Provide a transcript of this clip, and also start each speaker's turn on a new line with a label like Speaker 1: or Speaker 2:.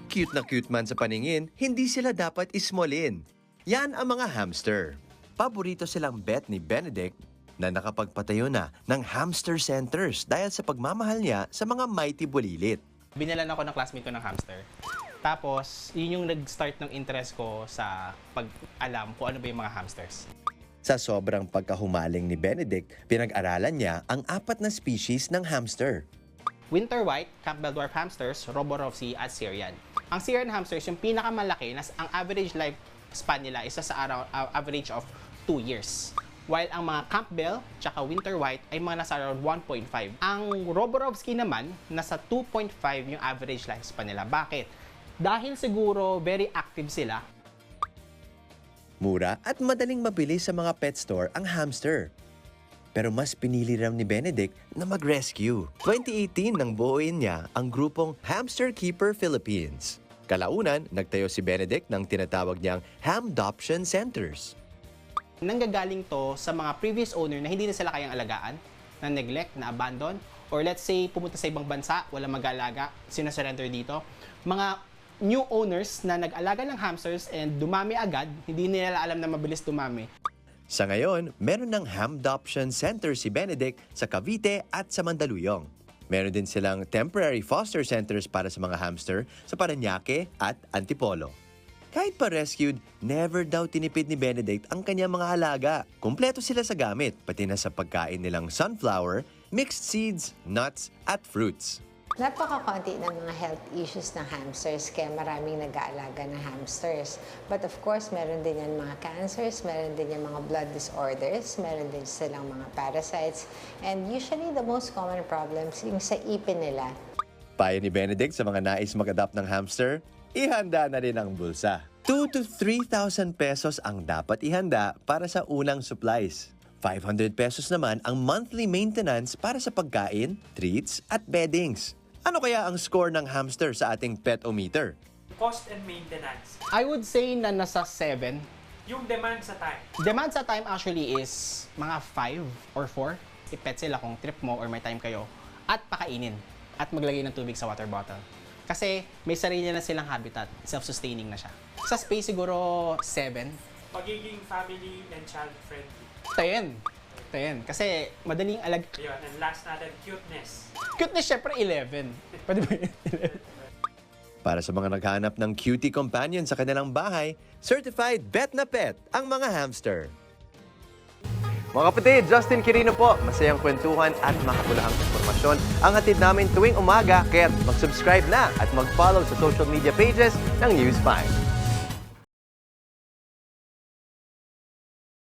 Speaker 1: Cute na cute man sa paningin, hindi sila dapat ismolin. Yan ang mga hamster. Paborito silang bet ni Benedict na nakapagpatayo na ng hamster centers dahil sa pagmamahal niya sa mga mighty bulilit.
Speaker 2: Binalan ako ng classmate ko ng hamster. Tapos, yun yung nag-start ng interest ko sa pag-alam kung ano ba yung mga hamsters.
Speaker 1: Sa sobrang pagkahumaling ni Benedict, pinag-aralan niya ang 4 na species ng hamster.
Speaker 2: Winter white, Campbell dwarf hamsters, Roborovsi at Syrian. Ang Syrian hamsters, yung pinakamalaki, ang average lifespan nila isa sa average of 2 years. While ang mga Campbell tsaka Winter white ay mga nasa around 1.5. Ang Roborovski naman, nasa 2.5 yung average lifespan nila. Bakit? Dahil siguro very active sila.
Speaker 1: Mura at madaling mabili sa mga pet store ang hamster. Pero mas pinili raw ni Benedict na mag-rescue. 2018 nang buuin niya ang grupong Hamster Keeper Philippines. Kalaunan, nagtayo si Benedict ng tinatawag niyang Hamdoption Centers.
Speaker 2: Nanggagaling to sa mga previous owner na hindi na sila kayang alagaan, na neglect, na abandon, or let's say pumunta sa ibang bansa, wala mag-alaga, sinasurrender dito. Mga new owners na nag-alaga ng hamsters and dumami agad, hindi nila alam na mabilis dumami.
Speaker 1: Sa ngayon, meron ng Hamdoption Center si Benedict sa Cavite at sa Mandaluyong. Meron din silang temporary foster centers para sa mga hamster sa Parañaque at Antipolo. Kahit pa rescued, never daw tinipid ni Benedict ang kanyang mga alaga. Kumpleto sila sa gamit, pati na sa pagkain nilang sunflower, mixed seeds, nuts at fruits.
Speaker 3: Napakakonti ng mga health issues ng hamsters kaya maraming nag-aalaga ng hamsters. But of course, meron din yan mga cancers, meron din yan mga blood disorders, meron din silang mga parasites. And usually, the most common problems yung sa ipin nila.
Speaker 1: Payo ni Benedict sa mga nais mag-adopt ng hamster, ihanda na rin ang bulsa. 2,000 to 3,000 pesos ang dapat ihanda para sa unang supplies. 500 pesos naman ang monthly maintenance para sa pagkain, treats at beddings. Ano kaya ang score ng hamster sa ating pet-o-meter?
Speaker 4: Cost and maintenance.
Speaker 2: I would say na nasa 7.
Speaker 4: Yung demand sa time.
Speaker 2: Demand sa time actually is mga 5 or 4. I-pet sila kung trip mo or may time kayo. At pakainin. At maglagay ng tubig sa water bottle. Kasi may sarili na silang habitat. Self-sustaining na siya. Sa space siguro 7.
Speaker 4: Pagiging family and child friendly.
Speaker 2: 10. Kasi madaling
Speaker 4: Ayun, and last natin, cuteness.
Speaker 2: Cuteness, syempre 11. Pwede ba yun? 11?
Speaker 1: Para sa mga naghahanap ng cutie companion sa kanilang bahay, certified bet na pet ang mga hamster. Mga kapatid, Justin Quirino po. Masayang kwentuhan at makapulahang informasyon ang hatid namin tuwing umaga. Kaya mag-subscribe na at mag-follow sa social media pages ng News 5.